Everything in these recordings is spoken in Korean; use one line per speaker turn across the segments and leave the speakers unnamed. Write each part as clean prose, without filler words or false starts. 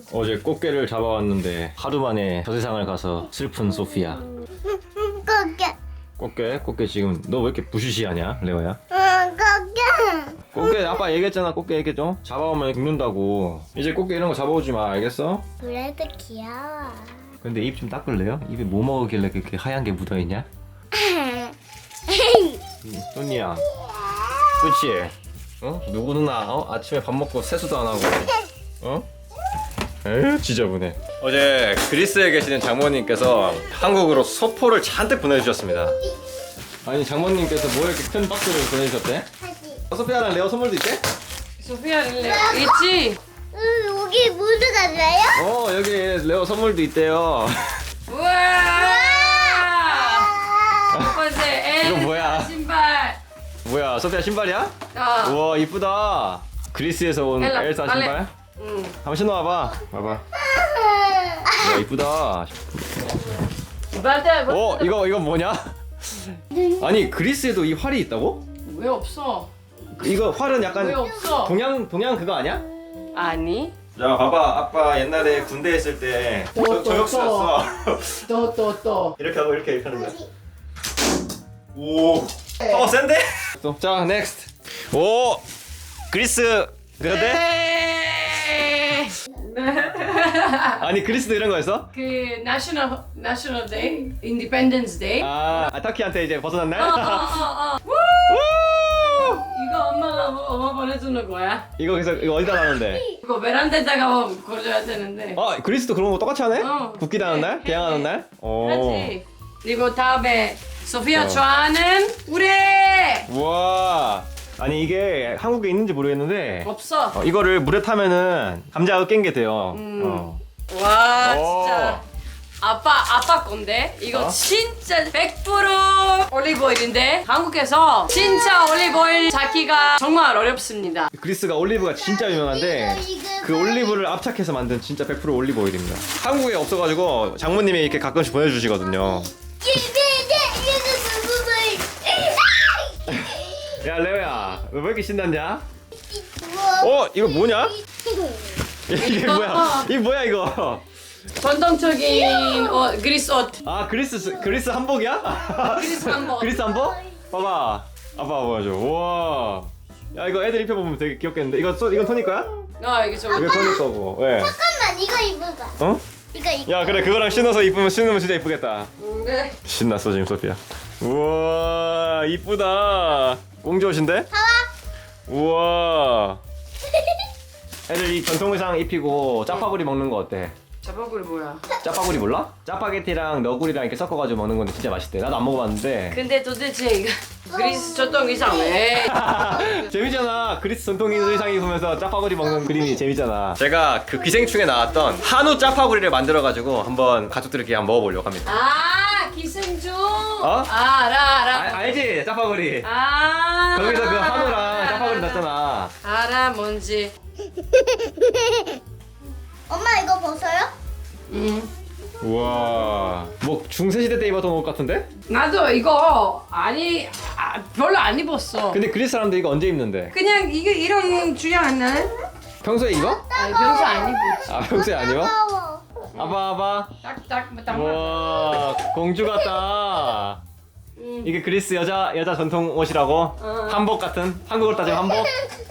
어제 꽃게를 잡아왔는데 하루 만에 저 세상을 가서 슬픈 소피아. 꽃게 지금 너 왜 이렇게 부시시하냐 레오야? 꽃게 아빠 얘기했잖아. 꽃게 얘기했죠? 잡아오면 죽는다고. 이제 꽃게 이런 거 잡아오지 마. 알겠어?
그래도 귀여워.
근데 입 좀 닦을래요? 입에 뭐 먹으길래 그렇게 하얀 게 묻어있냐? 손이야 그치? 어? 누구 누나 아침에 밥 먹고 세수도 안 하고 어? 에휴 지저분해. 어제 그리스에 계시는 장모님께서 한국으로 소포를 잔뜩 보내주셨습니다. 아니 장모님께서 뭐 이렇게 큰 박스를 보내주셨대? 소피아랑 레오 선물도 있대?
소피아 있지?
여기 모두 달라요?
여기 레오 선물도 있대요.
우와! 첫 번째
이거 뭐야?
신발.
뭐야 소피아 신발이야?
어.
우와 이쁘다. 그리스에서 온 엘사
빨래.
신발?
응.
한번 신어봐봐. 봐봐. 와 이쁘다. 이거 뭐냐? 아니 그리스에도 이 활이 있다고?
왜 없어?
이거 활은 약간
왜 없어?
동양 그거 아니야?
아니.
자 봐봐 아빠 옛날에 군대 있을 때 저격수였어.
또.
이렇게 하고 이렇게 하는 거야. 오 파워 센데? 자 넥스트. 오 그리스 그런데? 아니 그리스도 이런 거였어?
그 National Day, Independence Day.
아 터키한테 이제 벗어난 날?
우! 이거 엄마 보내주는 거야.
이거 그래서 이거 어디다 놨는데?
이거 베란다에다가 걸어줘야 되는데.
그리스도 그런 거 똑같이 하네?
어.
국기다는 날? 개항하는 날?
그렇지. 그리고 다음에 소피아 좋아하는 우레.
우와. 아니 이게 한국에 있는지 모르겠는데
없어.
이거를 물에 타면은 감자가 깬 게 돼요.
와
오.
진짜 아빠 건데 이거 진짜 100% 올리브오일인데 한국에서 진짜 올리브오일 찾기가 정말 어렵습니다.
그리스가 올리브가 진짜 유명한데 그 올리브를 압착해서 만든 진짜 100% 올리브 오일입니다. 한국에 없어가지고 장모님이 이렇게 가끔씩 보내주시거든요. 야 레오야 너 왜 이렇게 신났냐? 이거 뭐냐? 이게 뭐야? 이게 뭐야 이거?
전통적인 그리스 옷.
아 그리스 한복이야?
그리스 한복.
그리스 한복? 봐봐 아빠 보여줘. 우와 야 이거 애들 입혀보면 되게 귀엽겠는데 이건 토니 거야?
이게 좀
이거 토니 거고 왜?
잠깐만 이거 입어봐.
어?
이거.
야 그래 그거랑 신으면 진짜 이쁘겠다.
네.
신났어 지금 소피아. 우와 이쁘다. 공주 옷인데?
봐봐.
우와 애들 이 전통 의상 입히고 짜파구리 먹는 거 어때?
자바구리 뭐야?
짜파구리 몰라? 짜파게티랑 너구리랑 이렇게 섞어가지고 먹는 건데 진짜 맛있대. 나도 안 먹어봤는데
근데 도대체 이거 그리스 전통 의상 왜?
재밌잖아. 그리스 전통 의상 입으면서 짜파구리 먹는 그림이 재밌잖아. 제가 그 기생충에 나왔던 한우 짜파구리를 만들어가지고 한번 가족들끼리 한번 먹어보려고 합니다.
기생충.
어?
알아.
알지? 짜파구리.
거기서
거기서 그 한우랑 짜파구리 났잖아.
알아 뭔지.
엄마 이거 벗어요?
응.
우와 뭐 중세시대 때 입었던 옷 같은데?
나도 이거 별로 안 입었어.
근데 그리스 사람들 이거 언제 입는데?
그냥 이게 이런 주양 안 나네?
평소에 입어?
평소 안 입었지.
평소에 안 입어?
따가워.
아빠
딱
우와 공주 같다. 이게 그리스 여자 전통 옷이라고? 한복 같은? 한국으로 따지면 한복?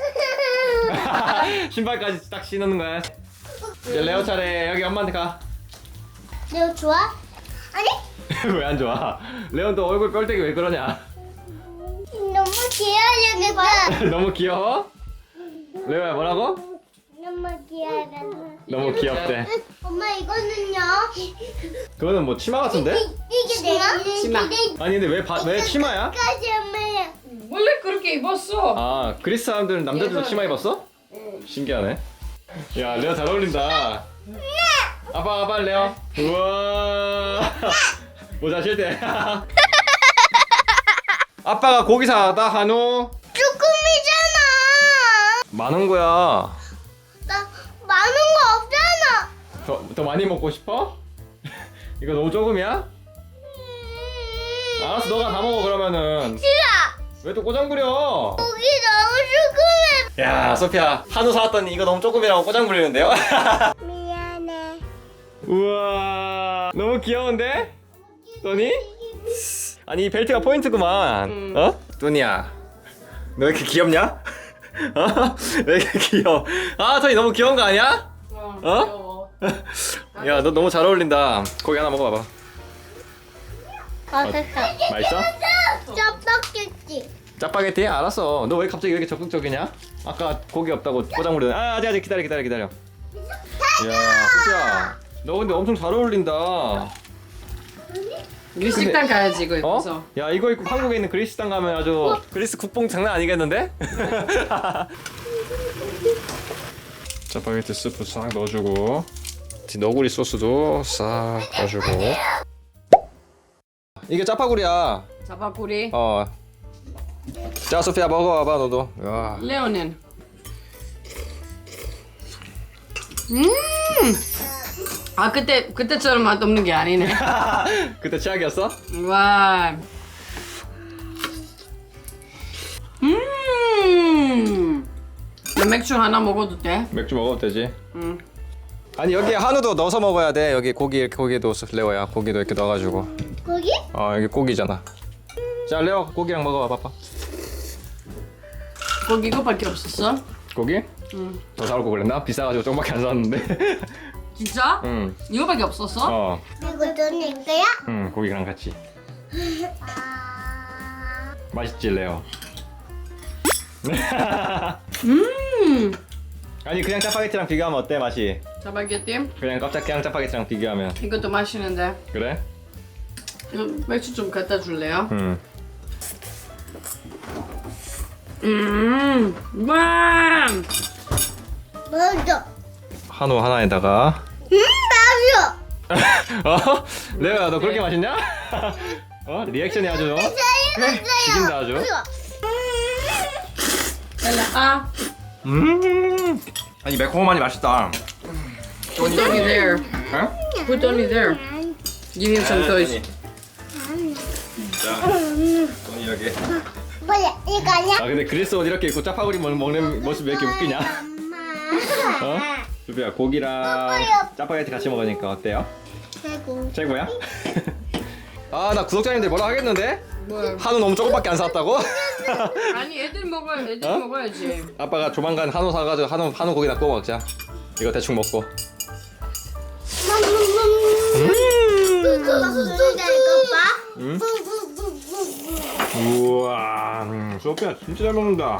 신발까지 딱 신는 거야. 이제 레오 차례. 여기 엄마한테 가.
레오 좋아? 아니?
왜 안 좋아? 레온 또 얼굴 뻘대기 왜 그러냐?
너무 귀여워졌다.
너무 귀여워? 레오야 뭐라고?
너무 귀여워졌다.
너무 귀엽대.
엄마 이거는요?
그거는 뭐 치마 같은데?
이게 내가?
치마.
아니 근데 왜 치마야?
까지 엄마야.
원래 그렇게 입었어.
아 그리스 사람들은 남자들도 치마 입었어? 신기하네. 야 레오 잘 어울린다. 아빠 레오. 우와 모자 쉴때. 아빠가 고기 사다 한우.
쭈꾸미잖아.
많은 거야.
나 많은 거 없잖아.
더 많이 먹고 싶어? 이거 너무 조금이야? 알았어 너가 다 먹어 그러면은.
싫어.
왜 또 꼬장부려?
고기 너무 쭈꾸미.
야 소피아 한우 사왔더니 이거 너무 조금이라고 꼬장부리는데요?
미안.
우와 너무 귀여운데? 도니? 아니 이 벨트가 포인트구만. 어? 도니야 너 왜 이렇게 귀엽냐? 어? 왜 이렇게 귀여워? 아 도니 너무 귀여운 거 아니야?
귀여워.
야 너 너무 잘 어울린다. 고기 하나 먹어봐봐.
맛있어.
맛있어?
짜파게티.
짜파게티? 알았어. 너 왜 갑자기 이렇게 적극적이냐? 아까 고기 없다고 포장 부르는. 아 아직 기다려. 이야 소피야 너 근데 엄청 잘 어울린다.
우리 식당 가야지 이거 입어서.
어? 야 이거 입고 한국에 있는 그리스 식당 가면 아주 그리스 국뽕 장난 아니겠는데? 짜파게티 스프 싹 넣어주고 너구리 소스도 싹 넣어주고. 이게 짜파구리야.
자바구리.
자 소피야 먹어봐봐 너도. 야.
레오는. 아 그때처럼 맛없는 게 아니네.
그때 최악이었어?
와. 나 맥주 하나 먹어도 돼?
맥주 먹어도 되지.
응.
아니 여기 한우도 넣어서 먹어야 돼. 여기 고기 이렇게 고기도 레오야. 고기도 이렇게 넣어가지고.
고기?
여기 고기잖아. 자 레오 고기랑 먹어봐 봐봐.
거기 이거밖에 없었어?
고기?
응.
더 사올 거 그랬나? 비싸가지고 조금밖에 안 샀는데.
진짜?
응.
이거밖에 없었어?
이거 돈 거야?
응 고기랑 같이. 맛있지 레오. 아니 그냥 짜파게티랑 비교하면 어때 맛이?
자바게티?
그냥 그냥 짜파게티랑 비교하면.
이것도 맛있는데.
그래?
이거 맥주 좀 갖다 줄래요?
응.
와!
먼저.
한우 하나에다가.
맛있어.
레오야 너 그렇게 맛있냐? 리액션이 아주 죽인다 아주.
아,
아니 매콤하니 맛있다.
put Tony there.
어?
Put Tony there. Give him some toys.
자, 돈이 여기.
뭐야? 이거 아니야?
근데 그리스 옷 이렇게 입고 짜파구리 먹는 모습 왜 이렇게 웃기냐? 어? 수비야 고기랑 짜파게티 같이 먹으니까 어때요?
최고.
최고야? 나 구독자님들 뭐라 하겠는데?
뭐?
한우 너무 조금밖에 안 샀다고?
아니 애들 먹어야지.
아빠가 조만간 한우 사가지고 한우 고기나 구워 먹자. 이거 대충 먹고. 응? 우와, 소피야 진짜 잘 먹는다.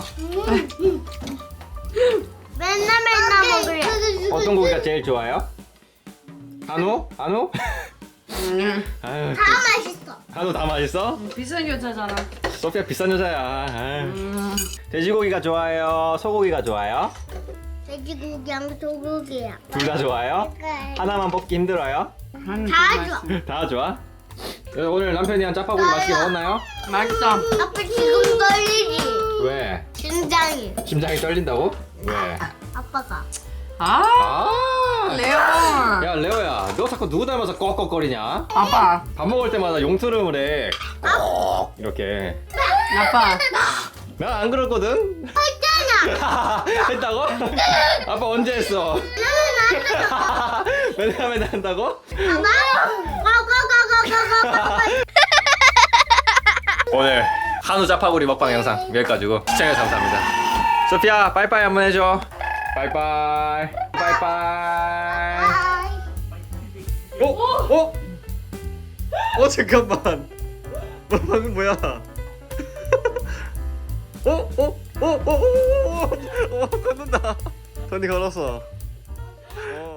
맨날 먹을래.
어떤 고기가 제일 좋아요? 한우? 아유,
다 맛있어.
한우 다 맛있어?
비싼 여자잖아.
소피아 비싼 여자야. 아유. 돼지고기가 좋아요? 소고기가 좋아요?
돼지고기랑 소고기야.
둘 다 좋아요? 하나만 뽑기 힘들어요?
다 좋아.
다 좋아? 오늘 남편이랑 짜파구리 맛있게 먹었나요?
맛있어.
아빠 지금 떨리지?
왜?
심장이.
심장이 떨린다고? 왜?
아빠가.
아, 레오.
야 레오야 너 자꾸 누구 닮아서 꺽꺽거리냐?
아빠.
밥 먹을 때마다 용트름을 해. 꺽 이렇게.
아빠.
난 안 그랬거든?
했잖아.
했다고? 아빠 언제 했어? 맨날 한다고? 오늘 한우 짜파구리 먹방 영상 여기까지고 시청해주셔서 감사합니다. 소피아 빠이빠이 한번 해줘. 빠이빠이. 빠이빠이. 잠깐만. 방금 뭐야? 걷는다. 돈이 걸었어.